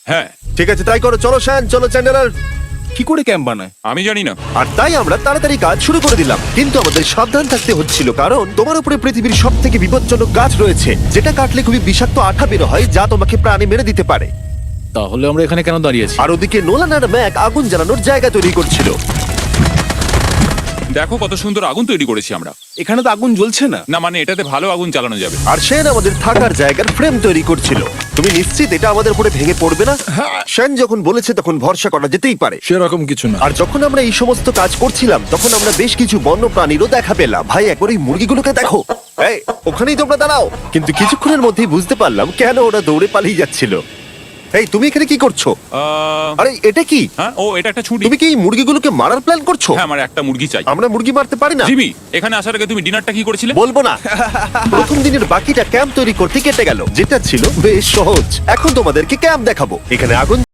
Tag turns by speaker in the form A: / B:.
A: হ্যাঁ,
B: ঠিক আছে, তাই করো। চলো শ্যান, চলো চ্যান্ডেলার।
C: কি করে ক্যাম্প বানায়?
A: আমি জানি না।
B: আর তাই আমরা তাড়াতাড়ি কাজ শুরু করে দিলাম, কিন্তু আমাদের সাবধান থাকতে হচ্ছিল, কারণ তোমার উপরে পৃথিবীর সব থেকে বিপজ্জনক গাছ রয়েছে, যেটা কাটলে খুবই বিষাক্ত আঠা বের হয়, যা তোমাকে প্রাণে মেরে দিতে পারে।
C: তাহলে আমরা এখানে কেন দাঁড়িয়ে আছি?
B: আর ওদিকে নোলান আর ম্যাক আগুন জ্বালানোর জায়গা তৈরি করছিল।
A: দেখো কত সুন্দর আগুন তৈরি করেছি আমরা।
C: এখানে তো আগুন জ্বলছে না।
A: না মানে এটাতে ভালো আগুন চালানো যাবে।
B: আর সেন আমাদের থাকার জায়গার ফ্রেম তৈরি করছিল। তুমি নিশ্চিত এটা আমাদের উপরে ভেঙে পড়বে না? সেন যখন বলেছে তখন ভরসা করা যেতেই পারে।
C: সেরকম কিছু না।
B: আর যখন আমরা এই সমস্ত কাজ করছিলাম, তখন আমরা বেশ কিছু বন্য প্রাণীরও দেখা পেলাম। ভাই, একবার এই মুরগিগুলোকে দেখো। এই, ওখানেই তোমরা দাঁড়াও। কিন্তু কিছুক্ষণের মধ্যেই বুঝতে পারলাম কেন ওরা দৌড়ে পালিয়ে যাচ্ছিল। এই, তুমি এখানে কি করছো? আরে এটা কি?
A: হ্যাঁ, ও এটা একটা ছুরি।
B: তুমি কি এই মুরগিগুলোকে মারার প্ল্যান করছো?
A: হ্যাঁ, আমার একটা মুরগি চাই।
B: আমরা মুরগি মারতে পারি না।
A: জিমি, এখানে আসার আগে তুমি ডিনারটা কি করেছিলে?
B: বলবো না। প্রথম দিনের বাকিটা ক্যাম্প তৈরি করতে কেটে গেল, যেটা ছিল বেশ সহজ। এখন তোমাদেরকে ক্যাম্প দেখাবো। এখানে আগুন